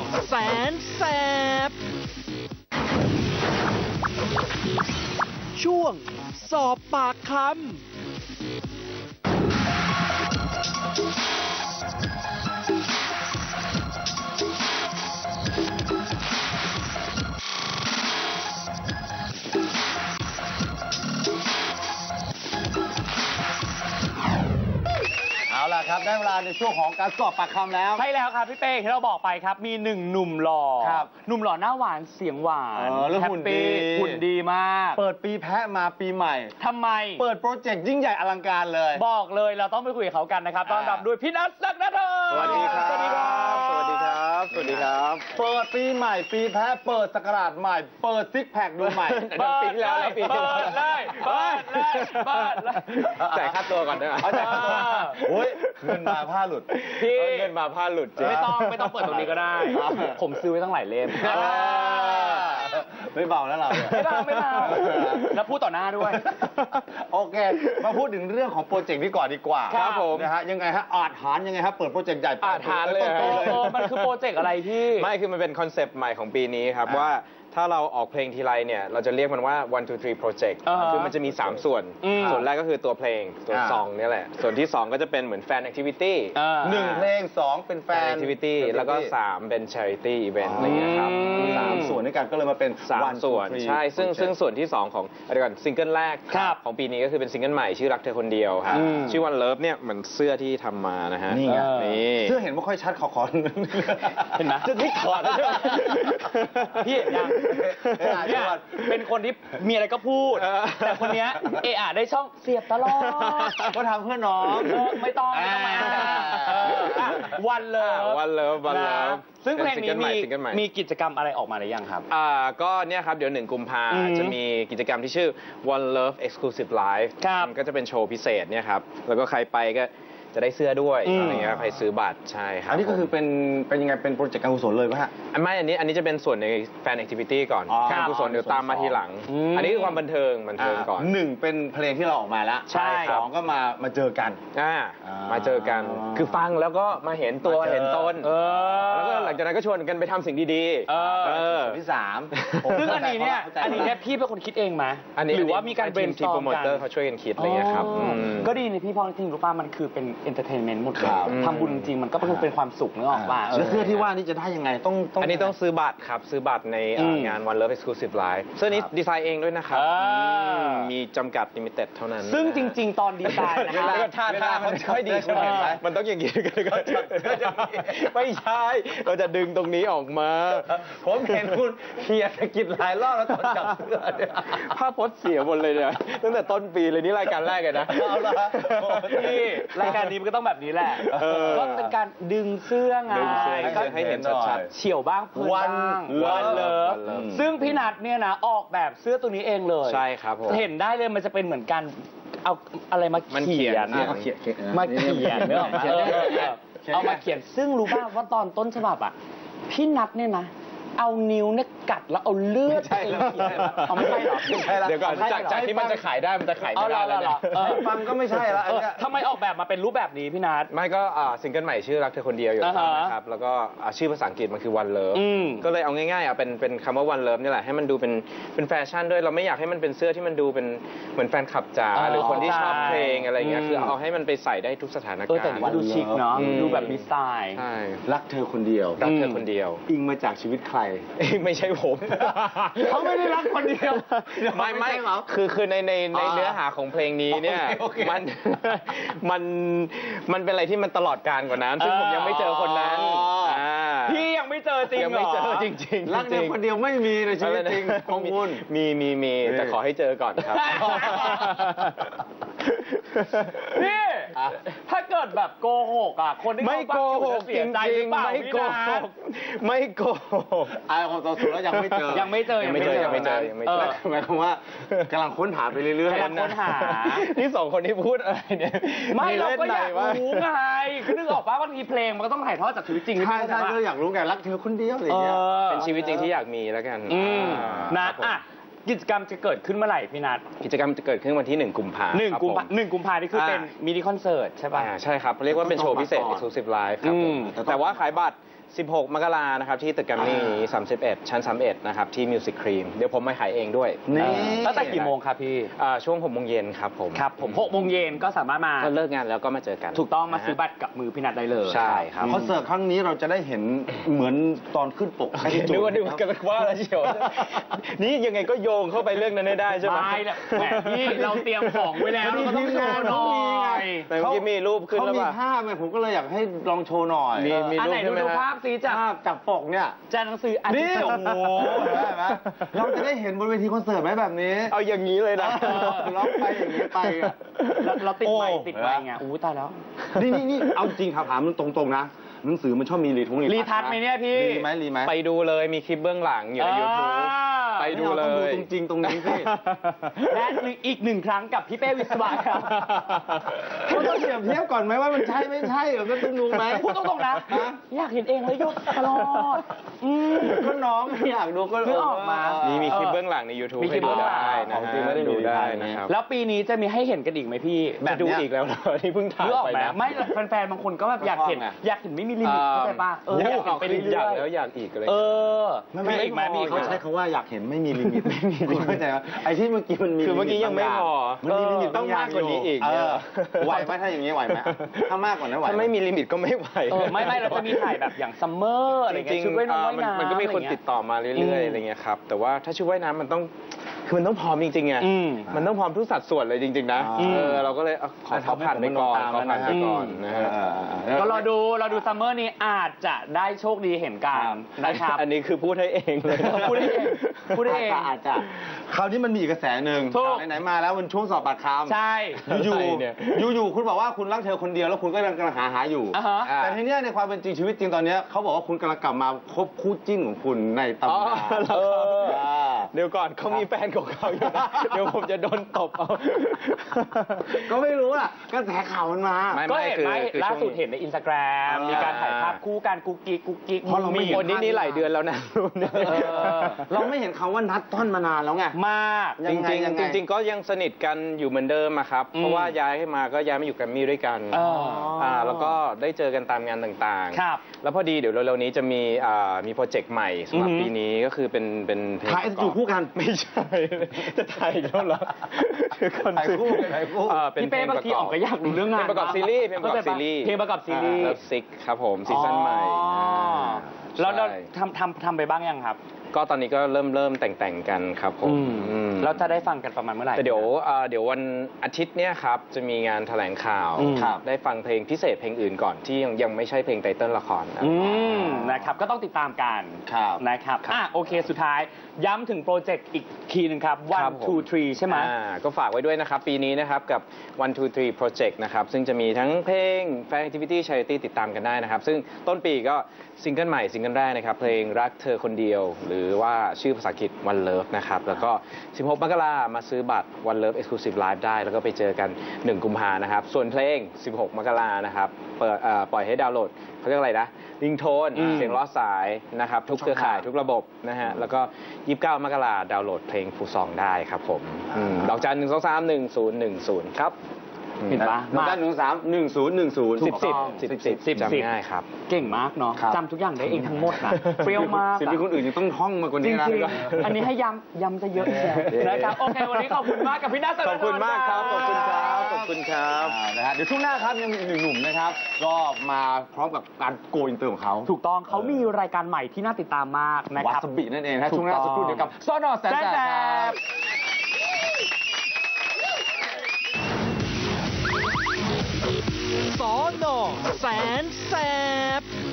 แสนแสบช่วงสอบปากคำเอาล่ะครับได้เวลาในช่วงของการสอบปากคำแล้วใช่แล้วครับพี่เป้ที่เราบอกไปครับมีหนึ่งหนุ่มหล่อครับหนุ่มหล่อหน้าหวานเสียงหวานแล้วแฮปหุ่นปี้ดีหุ่นดีมากเปิดปีแพะมาปีใหม่ทำไมเปิดโปรเจกต์ยิ่งใหญ่อลังการเลยบอกเลยเราต้องไปคุยกับเขากันนะครับต้อนรับด้วยพี่นัทศักดาธรสวัสดีครับสวัสดีครับสวัสดีครับ สวัสดีครับ เปิดปีใหม่ ปีแพะเปิดศักราชใหม่ เปิดซิกแพคดูใหม่เปิดปีที่แล้วแล้วปีที่เปิแล้วดเลยเปิดเลยเปิดเลยจ่ายค่าตัวก่อนได้ไหมจ่ายค่าตัวโอ้ยเงินมาผ้าหลุดพี่เงินมาผ้าหลุดจริงไม่ต้องเปิดตรงนี้ก็ได้ ผมซื้อไว้ตั้งหลายเล่มไม่เบาแล้วเราเนี่ยไม่เบาแล้วพูดต่อหน้าด้วยโอเค มาพูดถึงเรื่องของโปรเจกต์นี้ก่อนดีกว่าครับผมนะฮะยังไงฮะอาจหารยังไงฮะเปิดโปรเจกต์ใหญ่อาจหารเลยต้นปีเลยมันคือโปรเจกต์อะไรพี่ไม่คือมันเป็นคอนเซปต์ใหม่ของปีนี้ครับอ่าว่าถ้าเราออกเพลงทีไรเนี่ยเราจะเรียกมันว่า 1 2 3 project อ่าฮะคือมันจะมี 3 ส่วน ส่วนแรกก็คือตัวเพลงตัวอ่าซองเนี่ยแหละ ส่วนที่ 2 ก็จะเป็นเหมือนแฟนแอคทิวิตี้หนึ่งเพลงสองเป็นแฟแฟนนแอคทิวิตี้แล้วก็ 3 เป็น charity event อะไรอย่างเงี้ยครับสามส่วนด้วยกันก็เลยมาเป็นสาม One, Two, ส่วน Three ใช่ซึ่งส่วนที่ 2 ของเดี๋ยวก่อนซิงเกิลแรกครับของปีนี้ก็คือเป็นซิงเกิลใหม่ชื่อรักเธอคนเดียวครับชื่อ One Love เนี่ยเหมือนเสื้อที่ทำมานะฮะนี่ไงนี่เสื้อเห็นไม่ค่อยชัดขอเห็นไหมจะนี่ถอดแล้วใช่ไหมพี่ยังเนี่ยเป็นคนที่มีอะไรก็พูด แต่คนเนี้ยเอะอะได้ช่องเสียบตลอดก็ทำเพื่อน้องไม่ต้องมาวันเลย One Love One Love ซึ่งเพลงนี้ซิงเกิลใหม่มีกิจกรรมอะไรออกมาหรือยังครับก็เนี่ยครับเดี๋ยว1 กุมภาจะมีกิจกรรมที่ชื่อ One Love Exclusive Live ครับมันก็จะเป็นโชว์พิเศษเนี่ยครับแล้วก็ใครไปก็จะได้เสื้อด้วยอะไรเงี้ยใครซื้อบัตรใช่ครับอันนี้ก็คือเป็นยังไงเป็นโปรเจกต์การกุศลเลยป่ะฮะไม่อันนี้จะเป็นส่วนในแฟนแอคทิวิตี้ก่อนอ๋อการกุศลเดี๋ยวตามมาทีหลัง อันนี้คือความบันเทิงก่อนหนึ่งเป็นเพลงที่เราออกมาแล้วใช่สองก็มาเจอกันมาเจอกันคือฟังแล้วก็มาเห็นตัวมาเจอเห็นต้นแล้วแล้วก็หลังจากนั้นก็ชวนกันไปทำสิ่งดีๆส่วนที่สามซึ่งอันนี้เนี่ยพี่เป็นคนคิดเองไหมอันนี้หรือว่ามีการทีม brainstorm โปรโมเตอร์กันเขาช่วยกันคิดอะไรเงี้ยครับก็ดีนะพี่พอจริงรู้ป่ะมันคือเป็นเอนเตอร์เทนเมนต์หมดเลยครับทำบุญจริงๆมันก็คือเป็นความสุขนึกออกป่ะแล้วเสื้อที่ว่านี่จะได้ยังไงต้องอันนี้ต้องซื้อบัตรครับ ซื้อบัตรในงาน One Love Exclusive Live เสื้อนี้ดีไซน์เองด้วยนะครับ มีจำกัดลิมิเต็ดเท่านั้นซึ่งจริง ๆ ตอนดีไซน์นะเวฮะลาท่ามันค่อยดีใช่ไหมเออมันต้องอย่างนี้กันไม่ใช่ เราจะดึงตรงนี้ออกมาผมเห็นคุณเขียนสกิดหลายรอบแล้วตอนจับเสื้อเนี่ยภาพพจน์เสียหมดเลยเนี่ยตั้งแต่ต้นปีเลยนี่รายการแรกเลยนะเอาละพี่รายการนี้มันก็ต้องแบบนี้แหละ ก็เป็นการดึงเสื้อไงดึงเสื้อก็ให้เห็นชัดเฉียวบ้างเพลินบ้างวันเลิฟ One Love ซึ่งพี่นัทเนี่ยนะออกแบบเสื้อตัวนี้เองเลยใช่ครับผมเห็นได้เลยมันจะเป็นเหมือนกันเอาอะไรมามันเขีเขียยนนเขียนมาเขียนเนอะเอามาเขียนซึ่งรู้ป่าวว่าตอนต้นฉบับอ่ะพี่นัทเนี่ยนะ เอานิ้วเนี่ยกัดแล้วเอาเลือดไม่ใช่แล้วเขียนเอาไม่ใช่เหรอเดี๋ยวก่อนจากที่มันจะขายได้มันจะขายไม่ได้แล้วเนี่ยให้ฟังก็ไม่ใช่ละอันเนี้ยทำไมออกแบบมาเป็นรูปแบบนี้พี่นัทไม่ก็ซิงเกิลใหม่ชื่อรักเธอคนเดียวอยู่แล้วนะครับ แล้วก็ชื่อภาษาอังกฤษมันคือ One Love ก็เลยเอาง่ายๆเป็นคำว่า One Love นี่แหละให้มันดูเป็นแฟชั่นด้วยเราไม่อยากให้มันเป็นเสื้อที่มันดูเป็นเหมือนแฟนคลับจ๋าหรือคนที่ชอบเพลงอะไรเงี้ยคือเอาให้มันไปใส่ได้ทุกสถานการณ์แต่ว่าดูชิคเนาะดูแบบมีสไตล์ใช่รักเธอคนเดียวรักเธอคนเดียวอิงมาจากชีวิตใครไม่ใช่ผมเขาไม่ได้รักคนเดียวไม่คือในเนื้อหาของเพลงนี้เนี่ยโอเคมันเป็นอะไรที่มันตลอดการกว่านั้นซึ่งผมยังไม่เจอคนนั้นพี่ยังไม่เจอจริงยังเหรไม่อเจอจริงๆรักเธอคนเดียวไม่มีในชีวิตจริงของคุณมีแต่ขอให้เจอก่อนครับพี่ถ้าเกิดแบบโกหกอ่ะคนที่ไม่เขาโกฟังอยู่หจะกเสีจยใจหริรืงอเปล่าๆไม่พี่โกนัหทกไม่โกหกอายของตัวสุดแล้วยังไม่เจอยังไม่เจอยังไม่เจอยังไม่เจอหมายความว่ากำลังค้นหาไปเรื่อยกำลังค้นหานี่สองคนที่พูดอะไรเนี่ยไม่เราก็อยากวะรู้ไงคือนึกออกป่ะบางทีเพลงมันก็ต้องถ่ายทอดจากชีวิตจริงใช่ใช่ไหมก็อยากรู้ไงรักเธอคนเดียวอะไรอย่างเงี้ยเป็นชีวิตจริงที่อยากมีแล้วกันนะอ่ะกิจกรรมจะเกิดขึ้นเมื่อไหร่พี่นัทกิจกรรมจะเกิดขึ้นวันที่ 1 กุมภาพันธ์ 1 กุมภานี่คือเป็นมินิคอนเสิร์ตใช่ป่ะใช่ครับเรียกว่าเป็นโชว์พิเศษ Exclusive Live ครับผมแต่ว่าขายบัตร 16 มกรานะครับที่ตึกแกรมมี่31 ชั้น 31 นะครับที่ Music Cream เดี๋ยวผมมาขายเองด้วยตั้งแต่กี่โมงครับพี่ช่วง 6 โมงเย็นครับผมครับผม6 โมงเย็นก็สามารถมาก็เลิกงานแล้วก็มาเจอกันถูกต้องมาซื้อบัตรกับมือพี่นัทได้เลยใช่ครับคอนเสิร์ตครั้งนี้เราจะได้เห็นเหมือนตอนขึ้นปกให้ที่จุนึกว่ากันว่าแล้วเชียวนี่ยังไงก็โยงเข้าไปเรื่องนั้นได้ใช่ไหมไม่แหละแหมพี่เราเตรียมของไว้แล้วเราก็ต้องโชว์หน่อยแต่เมื่อกี้มีรูปขึ้นเขาแล้วมีป่ะภาพไงผมก็เลยอยากให้ลองโชว์หน่อยมีอันไหนรูปใช่ไหมดูฮะภาพสิจากภาพจากปกเนี่ยจากหนังสืออันนี่ที่โอ้โหเห็นไหมเราจะได้เห็นบนเวทีคอนเสิร์ตไหมแบบนี้เอาอย่างนี้เลยนะเราไปอย่างนี้ไปอะเราติดไมค์โอ้ติดไมค์ไงอู้ตายแล้วนี่เอาจริงถามมันตรงๆนะหนังสือมันชอบมีรีทัชไหมเนี่ยพี่รีไหมไปดูเลยมีคลิปเบื้องหลังอยู่ใน YouTube ไปดูเลต้องดูยจริงๆตรงนี้สิและอีกหนึ่งครั้งกับพี่เป้วิศวะครับเขาต้องเปรียบเทียบก่อนไหมว่ามันใช่ไม่ใช่เดี๋ยวก็ต้องดูไหมพูดตรงๆนะอยากเห็นเองเลยยกตลอดก็น้องไม่อยากดูก็นึกออกมามีคลิปเบื้องหลังใน YouTube มีคลิปเบื้องหลังให้ดูได้นะของจริงไม่ได้มีดูได้ในไทยนะครับแล้วปีนี้จะมีให้เห็นกันอีกไหมพี่จะดูอีกแล้วเหรอที่เพิ่งถ่ายนึกออกไปไหมนะไม่แฟนๆบางคนก็แบบอยากเห็นไม่มีลิมิตเข้าใจป่ะอยากเห็นไปเรื่อยากอยแล้วอยากอีกอะไรๆไม่มีอีกไหมมีอีกไหมเขาใช้คำว่าอยากเห็นไม่มีลิมิตไม่มีลิมิตเข้าใจไหมไอ้ที่เมื่อกี้มันมีคือเมื่อกี้ยังไม่พอมันมีลิมิตต้องมากกว่านี้อีกไหวไหมถ้าอย่างนี้ไหวไหมถ้ามากกว่านั้นไหวถ้าไม่มีลิมิตก็ไม่ไหวไม่เราจะมีถ่ายแบบอย่างซัมเมอร์อะไรจเงี้ริยงชุดว่ายน้ำมันก็มีคนติดต่อมาเรื่อยๆอะไรเงี้ยครับแต่ว่าถ้าชุดว่ายน้ำมันต้องคือมันต้องพร้อมจริงๆไงมันต้องพร้อมทุกสัดส่วนเลยจริงๆนะเราก็เลยขอผ่านไปก่อนขอผ่านไปก่อนนะฮะก็รอดูซัมเมอร์นี้อาจจะได้โชคดีเห็นกันนะครับอันนี้คือพูดให้เองเลยพูดให้เองพูดให้เองอาจจะคราวนี้มันมีอีกกระแสหนึ่งถูกไหนๆมาแล้วมันช่วงสอบปากคำใช่อยู่คุณบอกว่าคุณรักเธอคนเดียวแล้วคุณก็กำลังหาอยู่อ่าฮะแต่ทีเนี้ยในความเป็นจริงชีวิตจริงตอนเนี้ยเขาบอกว่าคุณกำลังกลับมาคบคู่จิ้นของคุณในตำนานเดี๋ยวก่อนเขามีแฟนของเขาอยู่นะเดี๋ยวผมจะโดนตบเอาก็ไม่รู้อ่ะกระแสข่าวมันมาก็เห็นไหมล่าสุดเห็นในอินสตาแกรมมีการถ่ายภาพคู่กันกุ๊กกิ๊กเพราะเราไม่เห็คนนี้หลายเดือนแล้วนะเราไม่เห็นคำว่านัดต้อนมานานแล้วไงมากยังไงจริงๆก็ยังสนิทกันอยู่เหมือนเดิมอะครับ เพราะว่าย้ายมาก็ย้ายมาอยู่แกรมมี่ด้วยกันแล้วก็ได้เจอกันตามงานต่างครับๆแล้วพอดีเดี๋ยวเร็วๆนี้จะมีโปรเจกต์ใหม่สำหรับปีนี้ก็คือเป็นเพลงถ่ายอยู่คู่กันไม่ใช่ จะถ่ายอีกแล้วเหรอคือคนถ่ายคู่ถ่ายคู่เป็นพี่เพลเป้งบางประทีกอออบ กก็อยากดูเรื่องงานเพลงประกอบซีรีส์เพลงประกอบซีรีส์เพลงประกอบซีรีส์เลิฟซิกครับผมซีซั่นใหม่แล้วเราใช่ทำไปบ้างยังครับก็ตอนนี้ก็เริ่มแต่งกันครับผมเราจะได้ฟังกันประมาณเมื่อไหร่แต่เดี๋ยววันอาทิตย์เนี้ยครับจะมีงานแถลงข่าวครับได้ฟังเพลงพิเศษเพลงอื่นก่อนที่ยังไม่ใช่เพลงไตเติ้ลละครนะนะครับก็ต้องติดตามกันครับนะครับโอเคสุดท้ายย้ำถึงโปรเจกต์อีกทีหนึ่งครับครับ 1 ผม 2 3 ใช่ไหมก็ฝากไว้ด้วยนะครับ ปีนี้นะครับกับ 1 2 3 Project นะครับซึ่งจะมีทั้งเพลง Fan Activity Charity ติดตามกันได้นะครับ ซึ่งต้นปีก็ซิงเกิลใหม่ซิงเกิลแรกนะครับเพลงรักเธอคนเดียว หรือว่าชื่อภาษาอังกฤษ One Love นะครับแล้วก็ 16 มกรามาซื้อบัตร One Love Exclusive Live ได้ แล้วก็ไปเจอกัน 1 กุมภานะครับส่วนเพลง 16 มกรานะครับปล่อยให้ดาวน์โหลดเขาเรียกอะไรนะริงโทนเสียงล้อสายนะครับทุกเครือข่ายทุกระบบนะฮะแล้วก็ 29 มกราดาวน์โหลดเพลงฟูซองได้ครับผมดอกจัน 1231010 ครับเห็นปะด้าน131010 10จำง่ายครับเก่งมากเนาะครับจำทุกอย่างได้เองทั้งหมดนะเปรี้ยวมากสิ่งที่คนอื่นยังต้องท่องมากกว่าจนี้ริงนะๆอันนี้ให้ย้ำจะเยอะเชียวนะครับโอเควันนี้ขอบคุณมากกับพี่นัทขอบคุณมากครับขอบคุณครับขอบคุณครับนะฮะเดี๋ยวช่วงหน้าครับยังมีอีกหนึ่งหนุ่มนะครับ ก็มาพร้อมกับการโกอินเตอร์ของเขาถูกต้องเขามีรายการใหม่ที่น่าติดตามมากนะวาครับซาบินั่นเองนะถูกช่วงหน้าต้องสักครู่เดียวกับซอนอแสนแสบครับสอนอแสนแสบ